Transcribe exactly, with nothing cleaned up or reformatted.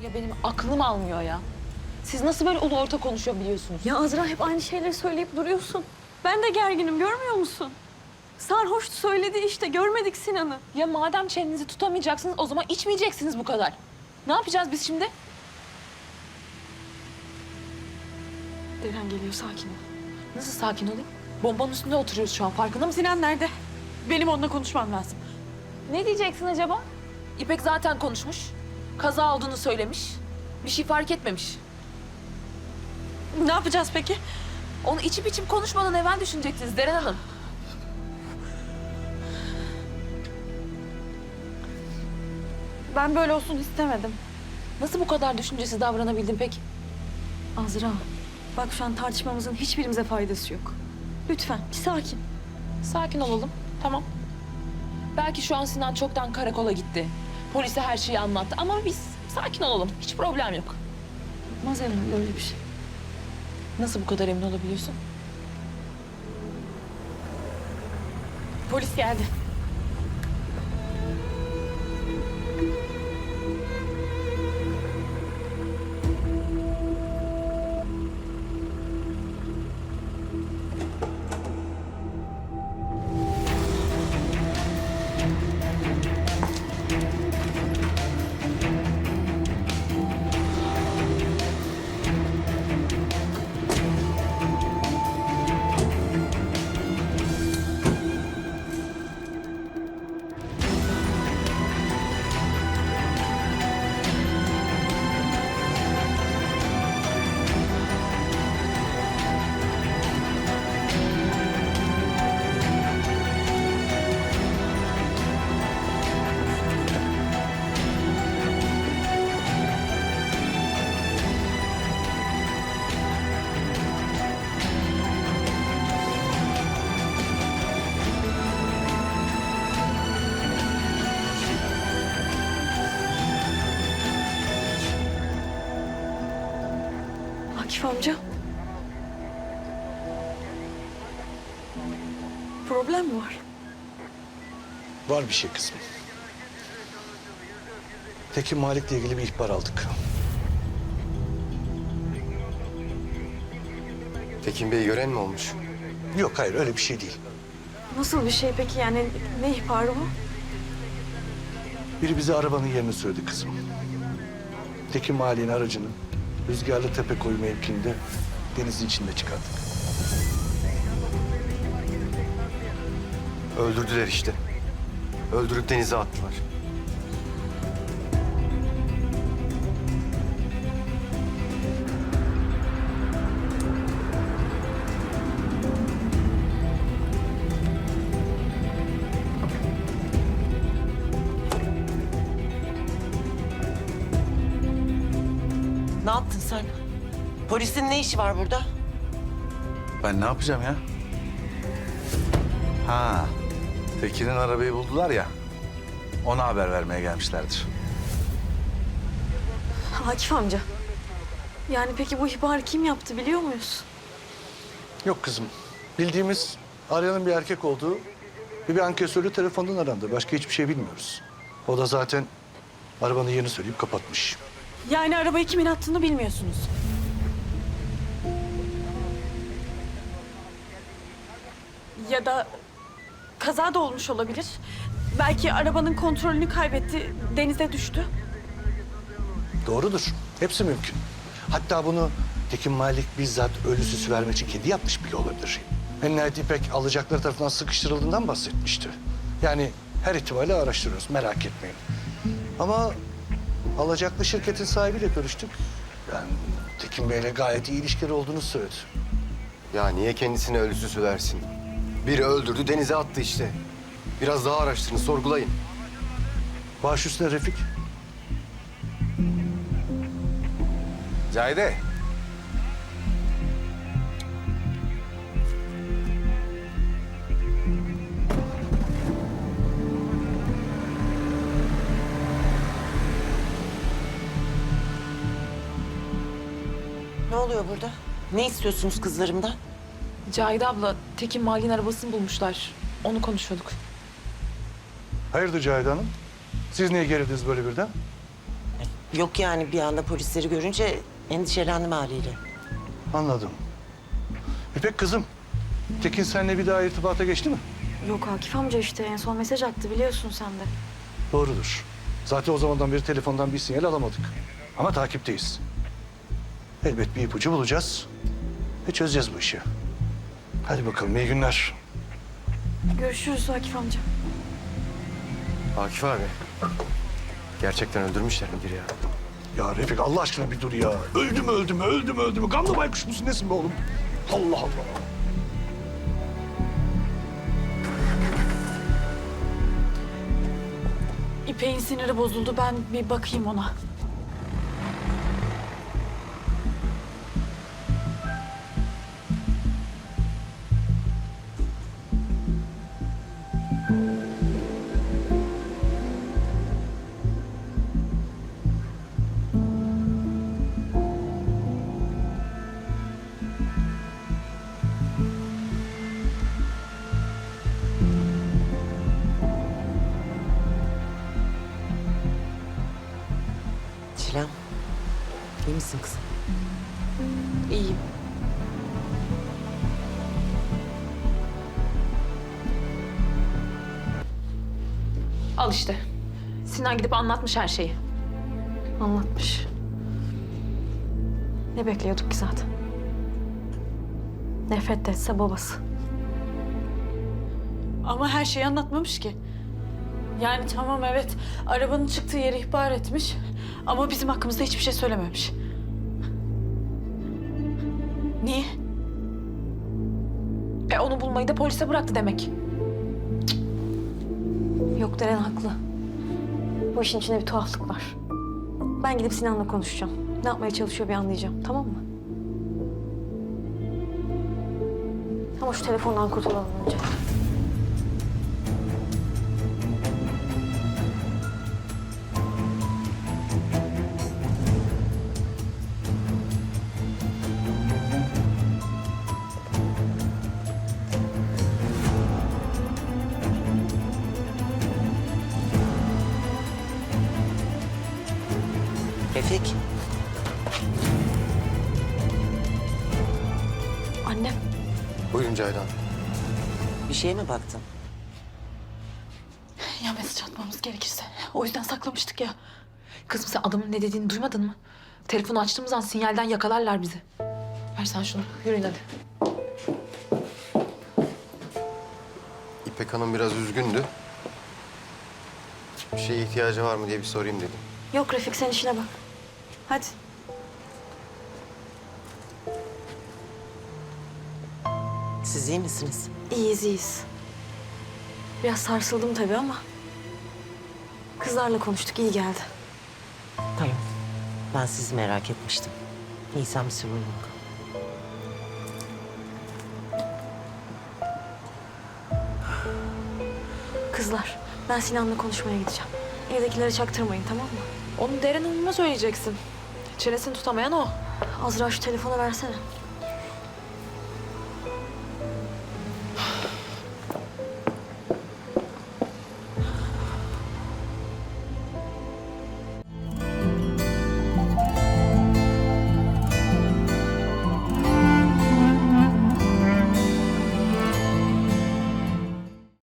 Ya benim aklım almıyor ya. Siz nasıl böyle ulu orta konuşabiliyorsunuz? Ya Azra hep aynı şeyleri söyleyip duruyorsun. Ben de gerginim, görmüyor musun? Sarhoş söyledi işte, görmedik Sinan'ı. Ya madem çenenizi tutamayacaksınız o zaman içmeyeceksiniz bu kadar. Ne yapacağız biz şimdi? Deren geliyor, sakin ol. Nasıl sakin olayım? Bombanın üstünde oturuyoruz şu an, farkında mısın? Sinan nerede? Benim onunla konuşmam lazım. Ne diyeceksin acaba? İpek zaten konuşmuş. Kaza olduğunu söylemiş. Bir şey fark etmemiş. Ne yapacağız peki? Onu içip içip konuşmadan evvel düşünecektiniz Deren Hanım. Ben böyle olsun istemedim. Nasıl bu kadar düşüncesiz davranabildin peki? Azra, bak şu an tartışmamızın hiçbirimize faydası yok. Lütfen bir sakin. Sakin olalım, tamam. Belki şu an Sinan çoktan karakola gitti. Polise her şeyi anlattı ama biz sakin olalım. Hiç problem yok. Olmaz herhalde öyle bir şey. Nasıl bu kadar emin olabiliyorsun? Polis geldi. Akif amca. Problem mi var? Var bir şey kızım. Tekin Malik'le ilgili bir ihbar aldık. Tekin Bey'i gören mi olmuş? Yok hayır öyle bir şey değil. Nasıl bir şey peki yani ne ihbarı bu? Biri bize arabanın yerini söyledi kızım. Tekin Malik'in aracını Rüzgarlı Tepekoyu mevkiinde denizin içinde çıkardık. Öldürdüler işte. Öldürüp denize attılar. Ne yaptın sen? Polisin ne işi var burada? Ben ne yapacağım ya? Ha, Tekin'in arabayı buldular ya. Ona haber vermeye gelmişlerdir. Akif amca. Yani peki bu ihbarı kim yaptı biliyor muyuz? Yok kızım. Bildiğimiz arayanın bir erkek olduğu ve bir ankesörlü telefondan arandı. Başka hiçbir şey bilmiyoruz. O da zaten arabanın yerini söyleyip kapatmış. Yani arabayı kimin attığını bilmiyorsunuz. Ya da kaza da olmuş olabilir. Belki arabanın kontrolünü kaybetti, denize düştü. Doğrudur. Hepsi mümkün. Hatta bunu Tekin Malik bizzat ölü süsü vermek için kendi yapmış bile olabilir. En nihayet İpek alacakları tarafından sıkıştırıldığından bahsetmişti. Yani her ihtimali araştırıyoruz, merak etmeyin. Ama alacaklı şirketin sahibiyle görüştük. Yani Tekin Bey'le gayet iyi ilişkileri olduğunu söyledi. Ya niye kendisine ölü süsü versin? Biri öldürdü, denize attı işte. Biraz daha araştırın, sorgulayın. Baş üstüne Refik. Cahide. Ne oluyor burada? Ne istiyorsunuz kızlarımdan? Cahide abla, Tekin Malik'in arabasını bulmuşlar. Onu konuşuyorduk. Hayırdır Cahide Hanım? Siz niye gerildiniz böyle birden? Yok yani bir anda polisleri görünce endişelendim haliyle. Anladım. İpek kızım, Tekin seninle bir daha irtibata geçti mi? Yok Akif amca işte en son mesaj attı biliyorsun sen de. Doğrudur. Zaten o zamandan beri telefondan bir sinyal alamadık. Ama takipteyiz. Elbet bir ipucu bulacağız ve çözeceğiz bu işi. Hadi bakalım, iyi günler. Görüşürüz Akif amca. Akif abi. Gerçekten öldürmüşler midir ya? Ya Refik Allah aşkına bir dur ya. Öldü mü öldü mü öldü mü öldü mü? Gamlı baykuş musun nesin be oğlum? Allah Allah. İpek'in siniri bozuldu. Ben bir bakayım ona. Çilem, iyi misin kızım? İyiyim. Al işte. Sinan gidip anlatmış her şeyi. Anlatmış. Ne bekliyorduk ki zaten? Nefret de etse babası. Ama her şeyi anlatmamış ki. Yani tamam evet, arabanın çıktığı yeri ihbar etmiş. Ama bizim hakkımızda hiçbir şey söylememiş. Niye? E onu bulmayı da polise bıraktı demek. Yok Deren haklı. Bu işin içinde bir tuhaflık var. Ben gidip Sinan'la konuşacağım. Ne yapmaya çalışıyor bir anlayacağım, tamam mı? Ama şu telefondan kurtulalım önce. Refik, Annem, Buyurun Ceylan. bir şeye mi baktın? Ya mesaj atmamız gerekirse. O yüzden saklamıştık ya. Kızım sen adamın ne dediğini duymadın mı? Telefonu açtığımız an sinyalden yakalarlar bizi. Ver sen şunu. Yürüyün hadi. İpek Hanım biraz üzgündü. Bir şeye ihtiyacı var mı diye bir sorayım dedim. yok Refik sen işine bak. Hadi. Siz iyi misiniz? İyiyiz, iyiyiz. Biraz sarsıldım tabii ama... kızlarla konuştuk, iyi geldi. Tamam. Ben sizi merak etmiştim. Nisan bir sorun yok. Kızlar, ben Sinan'la konuşmaya gideceğim. Evdekilere çaktırmayın, tamam mı? Onu Deren Hanım'a söyleyeceksin. Çenesini tutamayan o. Azra şu telefonu versene.